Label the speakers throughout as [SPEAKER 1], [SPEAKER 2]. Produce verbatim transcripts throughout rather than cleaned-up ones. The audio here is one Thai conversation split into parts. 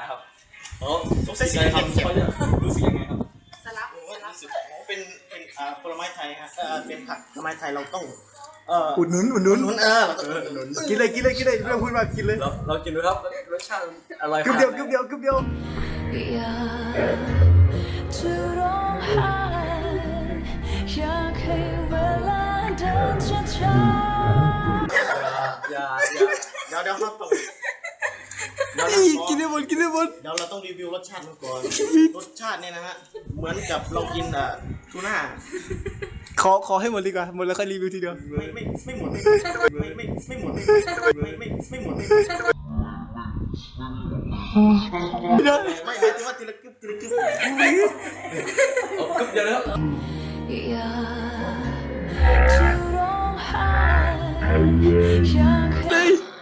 [SPEAKER 1] ครับ
[SPEAKER 2] โอ้สงสัยสี
[SPEAKER 1] ครับ
[SPEAKER 2] เขียว
[SPEAKER 1] เขาจะรู้สึกยังไงครับ
[SPEAKER 3] สลับ
[SPEAKER 2] โอ้
[SPEAKER 3] สลับ
[SPEAKER 2] รู้สึกเป็นเป็นอ่าผลไม้ไทยฮะเออเป็นผักผลไม้ไทยเราต้องเอ่อ
[SPEAKER 4] อุดหนุนอุดหนุน
[SPEAKER 2] หนุนเออเราต้องอุดหนุน
[SPEAKER 4] กินเลยกินเลยกินเลยไม่ต้องพูดมากกินเลย
[SPEAKER 1] เราเรากินดูครับรสชาติอร่อย
[SPEAKER 4] กึบเดียวกึบเดียวกึบเดียว
[SPEAKER 5] อยากจะร้องไห้อยากให้เวลาเดินช้าๆ
[SPEAKER 1] อย่าอย่า
[SPEAKER 2] เดี๋ยวเดี๋ยวครับต้องเดี๋ยว
[SPEAKER 4] อี
[SPEAKER 2] เรา
[SPEAKER 4] กินได้หมดกินได้หมด
[SPEAKER 2] เดี๋ยวเราต้องรีวิวรสชาติมันก่อนรสชาติเนี่ยนะฮะเหมือนกับเรากินอ่ะทูน่า
[SPEAKER 4] ขอขอให้หมดดีกว่าหมดแล้วค่อยรีวิวทีเดียว
[SPEAKER 2] ไม่ไม่ไม่หมดไม่ไม่ไม่หมดไม่ไม่ไม่หมดไม่ไม่หมายถึงว่าทีละกึบทีละกึบ
[SPEAKER 1] เอากึ๊บเดียวนะครับ
[SPEAKER 5] อยากจะร้องไห้อยากให้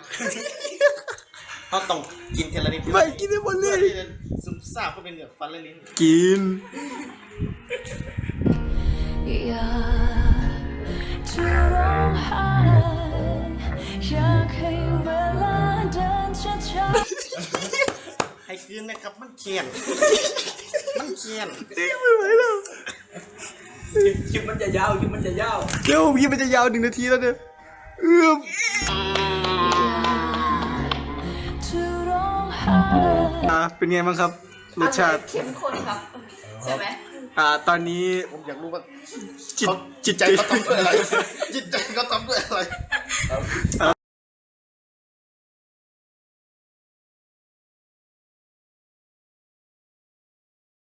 [SPEAKER 2] เขาต้องกินทีละนิด
[SPEAKER 4] ไม่กินได้หมดเล
[SPEAKER 2] เพื่อย ที่จะซึมซาบเข้าไปในเหงือกฟันและลิ้น
[SPEAKER 4] กิน
[SPEAKER 5] อยากจะร้องไห้อยากให้เวลาเดินช้าๆ
[SPEAKER 2] ให้คืนนะครับมันเคียนมันเคียน
[SPEAKER 4] จริงไม่ไหวแล้ว
[SPEAKER 1] คลิปมันจะยาวคลิปมันจะยาว
[SPEAKER 4] เดี๋ยวพี่มันจะยาวหนึ่งนาทีแล้วเนี่ยเอื้อม
[SPEAKER 5] จะร้องไห้
[SPEAKER 4] อ่าเป็นไงบ้างครับรสชาติ
[SPEAKER 3] เข้มข้นครับ ใช่ไหม
[SPEAKER 4] อ่าตอนนี้
[SPEAKER 2] ผมอยากรู้ว่า
[SPEAKER 4] จิต
[SPEAKER 2] เขา
[SPEAKER 4] จิต
[SPEAKER 2] ใจ
[SPEAKER 4] ใจ
[SPEAKER 2] เขาทำด้วยอะไรจิตใจเขาทำด้วยอะไร